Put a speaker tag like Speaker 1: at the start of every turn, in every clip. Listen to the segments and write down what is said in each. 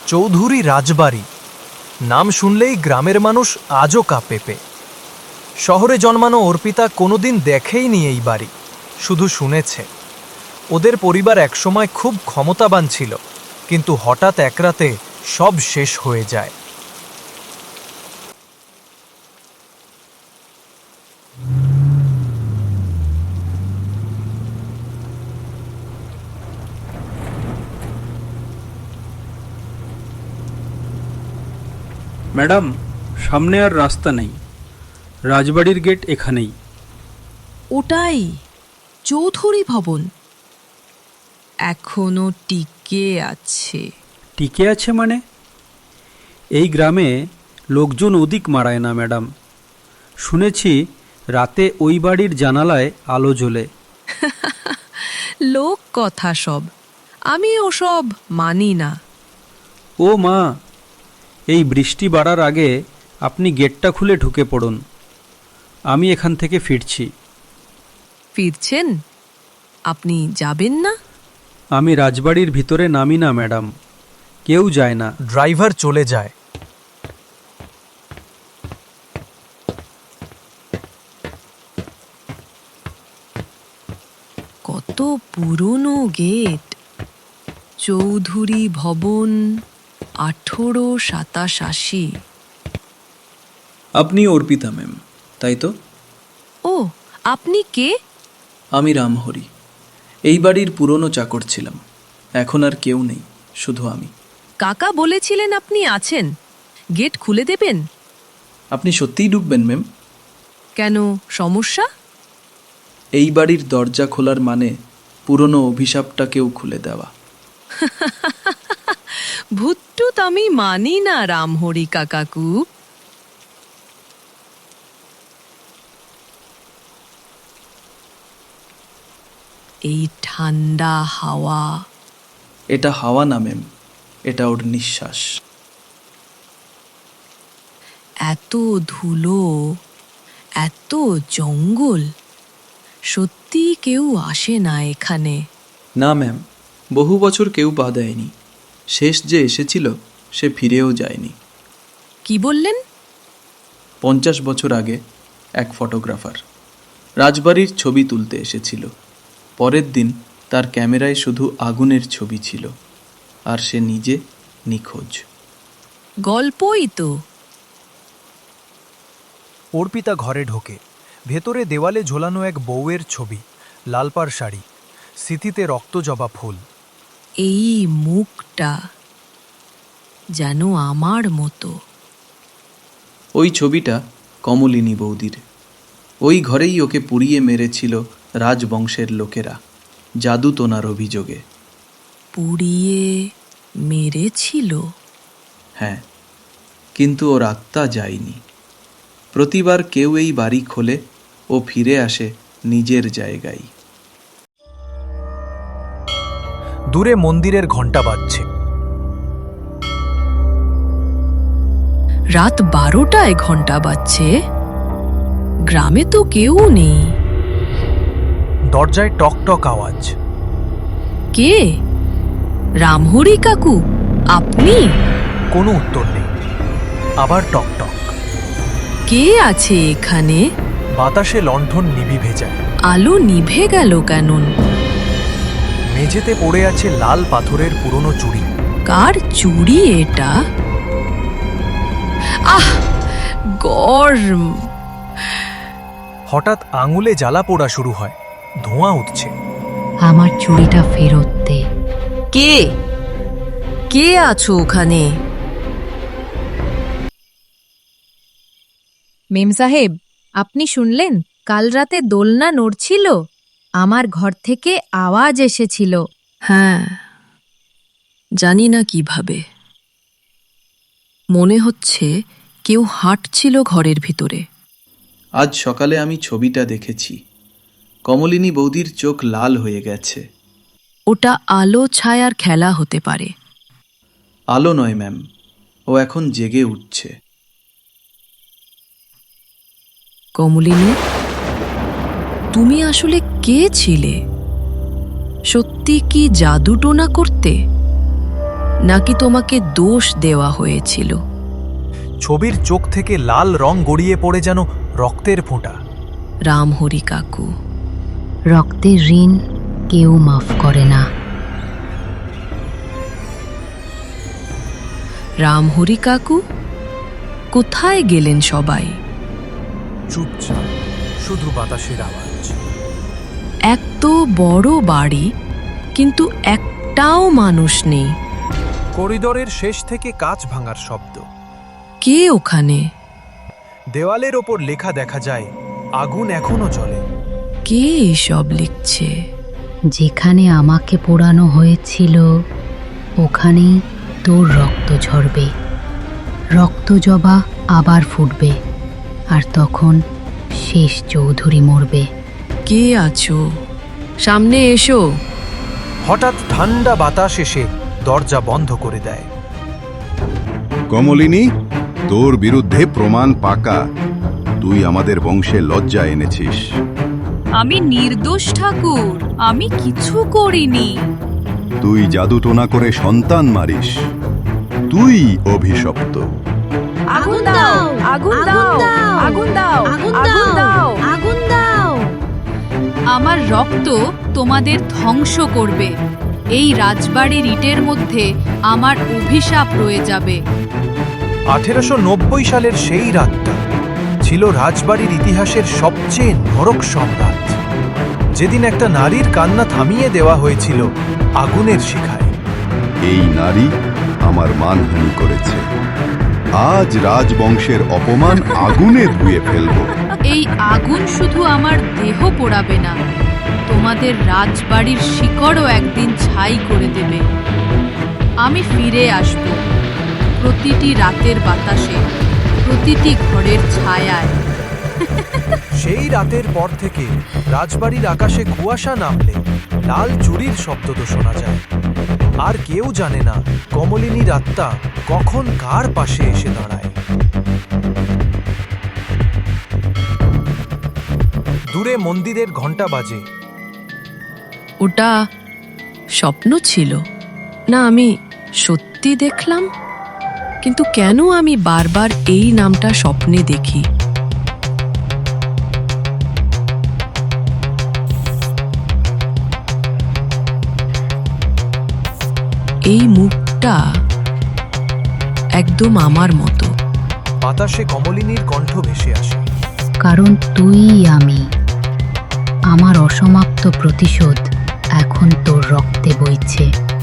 Speaker 1: চৌধুরী রাজবাড়ি নাম শুনলেই গ্রামের মানুষ আজও কাঁপে। শহরে জন্মানো অর্পিতা কোনোদিন দেখেইনি এই বাড়ি, শুধু শুনেছে। ওদের পরিবার একসময় খুব ক্ষমতাবান ছিল, কিন্তু হঠাৎ এক রাতে সব শেষ হয়ে যায়।
Speaker 2: ম্যাডাম, সামনে আর রাস্তা নেই, রাজবাড়ির গেট এখানেই।
Speaker 3: ওটাই চৌধুরী ভবন, এখনো টিকে আছে।
Speaker 2: টিকে আছে মানে? এই গ্রামে লোকজন অধিক মারায় না ম্যাডাম। শুনেছি রাতে ওই বাড়ির জানালায় আলো জ্বলে।
Speaker 3: লোক কথা সব, আমি ওসব মানি না।
Speaker 2: ও মা, এই বৃষ্টি বাড়ার আগে আপনি গেটটা খুলে ঢুকে পড়ুন, আমি এখান থেকে ফিরছি।
Speaker 3: ফিরছেন? আপনি যাবেন না?
Speaker 2: আমি রাজবাড়ির ভিতরে নামি না ম্যাডাম, কেউ যায় না।
Speaker 1: ড্রাইভার চলে যায়।
Speaker 3: কত পুরনো গেট, চৌধুরী ভবন, 1887।
Speaker 4: আপনি অর্পিতা ম্যাম, তাই তো?
Speaker 3: ও, আপনি কে?
Speaker 4: আমি রামহরি, এই বাড়ির পুরনো চাকর ছিলাম। এখন আর কেউ নেই, শুধু আমি।
Speaker 3: কাকা বলেছিলেন আপনি আছেন, গেট খুলে দেবেন।
Speaker 4: আপনি সত্যিই ঢুকবেন ম্যাম?
Speaker 3: কেন, সমস্যা?
Speaker 4: এই বাড়ির দরজা খোলার মানে পুরনো অভিশাপটাকেও খুলে দেওয়া।
Speaker 3: ভুট্টুত আমি মানি না রামহরি কাকাকু। এই ঠান্ডা হাওয়া।
Speaker 4: এটা হাওয়া না ম্যাম, এটা ওর নিঃশ্বাস।
Speaker 3: এত ধুলো, এত জঙ্গল, সত্যি কেউ আসে না এখানে।
Speaker 4: না ম্যাম, বহু বছর কেউ পা দেয়নি। শেষ যে এসেছিল সে ফিরেও যায়নি।
Speaker 3: কি বললেন?
Speaker 4: 50 বছর আগে এক ফটোগ্রাফার রাজবাড়ির ছবি তুলতে এসেছিল। পরের দিন তার ক্যামেরায় শুধু আগুনের ছবি ছিল, আর সে নিজে নিখোঁজ।
Speaker 3: গল্পই তো।
Speaker 1: অর্পিতা ঘরে ঢোকে। ভেতরে দেওয়ালে ঝোলানো এক বউয়ের ছবি, লালপাড় শাড়ি, স্মৃতিতে রক্তজবা ফুল।
Speaker 3: এই মুখটা যেন আমার মতো।
Speaker 4: ওই ছবিটা কমলিনী বৌদির। ওই ঘরেই ওকে পুড়িয়ে মেরেছিল রাজবংশের লোকেরা, জাদু তোনার অভিযোগে।
Speaker 3: পুড়িয়ে মেরেছিল?
Speaker 4: হ্যাঁ, কিন্তু ওর আত্মা যায়নি। প্রতিবার কেউ এই বাড়ি খোলে, ও ফিরে আসে নিজের জায়গায়।
Speaker 1: দূরে মন্দিরের ঘণ্টা বাজছে।
Speaker 3: রাত 12টায় ঘন্টা বাজছে? গ্রামে তো কেউ নেই।
Speaker 1: দরজায় টক টক আওয়াজ।
Speaker 3: কে? রামহরি কাকু, আপনি?
Speaker 1: কোনো উত্তর নেই। আবার টক টক।
Speaker 3: কে আছে এখানে?
Speaker 1: বাতাসে লণ্ঠন নিভে যায়।
Speaker 3: আলো নিভে গেল কেন?
Speaker 1: মেঝেতে পড়ে আছে লাল পাথরের পুরনো চুড়ি।
Speaker 3: কার চুড়ি এটা? আহ, গরম।
Speaker 1: হঠাৎ আঙুলে জ্বালা পোড়া শুরু হয়, ধোঁয়া উঠছে।
Speaker 5: আমার চুড়িটা ফেরত দে।
Speaker 3: কে? কে আছো ওখানে?
Speaker 5: মেম সাহেব, আপনি শুনলেন কাল রাতে দোলনা নড়ছিল? আমার ঘর থেকে আওয়াজ এসেছিল।
Speaker 3: হ্যাঁ, জানি না কিভাবে। মনে হচ্ছে কেউ হাঁটছিল ঘরের ভিতরে।
Speaker 4: আজ সকালে আমি ছবিটা দেখেছি। কমলিনী বৌদির চোখ লাল হয়ে গেছে।
Speaker 3: ওটা আলো ছায়ার খেলা হতে পারে।
Speaker 4: আলো নয় ম্যাম, ও এখন জেগে উঠছে।
Speaker 3: কমলিনী, তুমি আসলে কে ছিলে? সত্যি কি জাদু টোনা করতে? নাকি তোমাকে দোষ দেওয়া হয়েছিল?
Speaker 1: ছবির চোখ থেকে লাল রং গড়িয়ে পড়ে যেন রক্তের ফোঁটা।
Speaker 3: রামহরি কাকু,
Speaker 5: রক্তের ঋণ কেউ মাফ করে না।
Speaker 3: রামহরি কাকু, কোথায় গেলেন সবাই?
Speaker 1: চুপচাপ, শুধু বাতাসের আওয়াজ।
Speaker 3: এত বড় বাড়ি, কিন্তু একটাও মানুষ নেই।
Speaker 1: করিডোরের শেষ থেকে কাঁচ ভাঙার শব্দ।
Speaker 3: কে ওখানে?
Speaker 1: দেওয়ালের ওপর লেখা দেখা যায়, আগুন এখনো জ্বলে।
Speaker 3: কে এসব লিখছে?
Speaker 5: যেখানে আমাকে পোড়ানো হয়েছিল ওখানেই তোর রক্ত ঝরবে। রক্ত জবা আবার ফুটবে, আর তখন শেষ চৌধুরী মরবে।
Speaker 3: কে আছো? সামনে এসো।
Speaker 1: হঠাৎ ঠান্ডা বাতাস এসে দরজা বন্ধ করে দেয়।
Speaker 6: কমলিনী, তোর বিরুদ্ধে প্রমাণ পাকা। তুই আমাদের বংশে লজ্জা এনেছিস।
Speaker 7: আমি নির্দোষ ঠাকুর, আমি কিছু করিনি।
Speaker 6: তুই জাদুটোনা করে সন্তান মারিস। তুই অভিশপ্ত।
Speaker 7: আগুন দাও, আগুন দাও, আগুন দাও, আগুন দাও,
Speaker 5: আগুন দাও।
Speaker 7: আমার রক্ত তোমাদের ধ্বংস করবে। এই রাজবাড়ির ইটের মধ্যে আমার অভিশাপ রয়ে যাবে।
Speaker 1: 1890 সালের সেই রাতটা ছিল রাজবাড়ির ইতিহাসের সবচেয়ে নরক সম্রাট, যেদিন একটা নারীর কান্না থামিয়ে দেওয়া হয়েছিল আগুনের শিখায়।
Speaker 6: এই নারী আমার মানহানি করেছে। আজ রাজবংশের অপমান আগুনে ধুয়ে ফেলব।
Speaker 7: এই আগুন শুধু আমার দেহ পোড়াবে না, তোমাদের রাজবাড়ির শিকড়ও একদিন ছাই করে দেবে। আমি ফিরে আসব, প্রতিটি রাতের বাতাসে, প্রতিটি ঘরের ছায়ায়।
Speaker 1: সেই রাতের পর থেকে রাজবাড়ির আকাশে কুয়াশা নামলে লাল চুরির শব্দ তো শোনা যায়। আর কেউ জানে না কমলিনীর আত্মা কখন কার পাশে এসে দাঁড়ায়। দূরে মন্দিরের ঘণ্টা বাজে।
Speaker 3: ওটা স্বপ্ন ছিল না আমি সত্যি দেখলাম? কিন্তু কেন আমি বারবার এই নামটা স্বপ্নে দেখি? এই মুখটা একদম আমার মতো।
Speaker 1: বাতাসে কমলিনীর কণ্ঠ ভেসে আসে।
Speaker 5: কারণ তুই আমি। আমার অসমাপ্ত প্রতিশোধ এখন তোর রক্তে বইছে।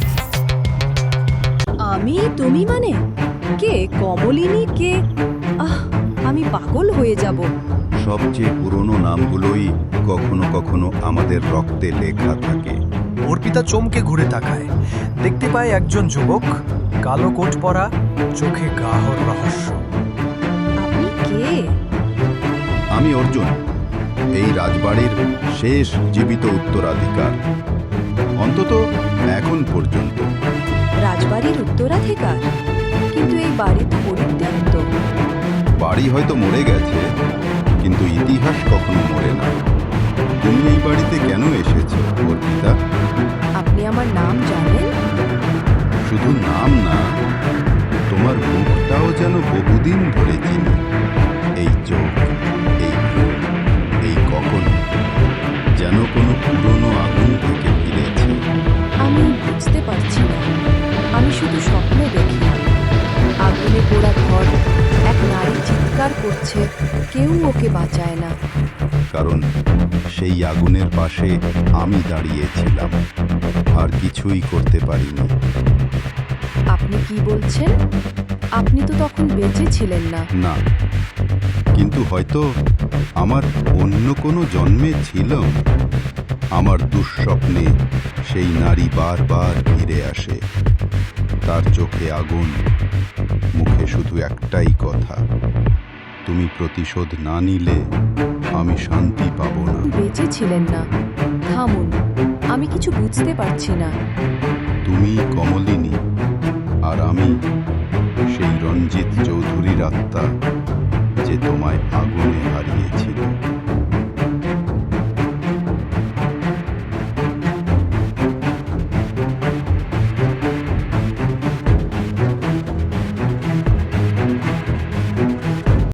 Speaker 8: আমি তুমি মানে কে? কমলিনী কে? আমি পাগল হয়ে যাব।
Speaker 6: সবচেয়ে পুরনো নামগুলোই কখনো কখনো আমাদের রক্তে লেখা থাকে।
Speaker 1: অর্পিতা চমকে ঘুরে তাকায়, দেখতে পায় একজন যুবক, কালো কোট পরা, চোখে গাহর রহস্য।
Speaker 8: আপনি কে?
Speaker 6: আমি অর্জুন, এই রাজবাড়ির শেষ জীবিত উত্তরাধিকার, অন্তত এখন পর্যন্ত।
Speaker 8: রাজবাড়ির উত্তরাধিকার? কিন্তু এই বাড়ি তো পরিত্যক্ত।
Speaker 6: বাড়ি হয়তো মরে গেছে, কিন্তু ইতিহাস কখনো মরে না। তুমি এই বাড়িতে কেন এসেছো অর্পিতা?
Speaker 8: আপনি আমার নাম জানেন?
Speaker 6: শুধু নাম না, তোমার মুখটাও যেন বহুদিন ধরে চিনি। এই চোখ, এই ভ্রু, এই কখন যেন কোনো পুরনো আগুন থেকে ফিরেছে।
Speaker 8: আমি বুঝতে পারছি না। আমি শুধু স্বপ্ন দেখি। আগুনে পোড়া ঘর, এক নারী চিৎকার করছে, কেউ ওকে বাঁচায় না।
Speaker 6: কারণ সেই আগুনের পাশে আমি দাঁড়িয়েছিলাম, আর কিছুই করতে পারিনি।
Speaker 8: আপনি কি বলছেন? আপনি তো তখন বেঁচে ছিলেন না।
Speaker 6: না, কিন্তু হয়তো আমার অন্য কোনো জন্মে ছিল। আমার দুঃস্বপ্নে সেই নারী বারবার ফিরে আসে। তার চোখে আগুন, মুখে শুধু একটাই কথা, তুমি প্রতিশোধ না নিলে আমি শান্তি পাবো না।
Speaker 8: বেঁচে ছিলেন না। থামুন, আমি কিছু বুঝতে পারছি না।
Speaker 6: তুমি কমলিনী, আর আমি সেই রঞ্জিত চৌধুরীর আত্মা, যে তোমায় আগুনে হারিয়েছিল।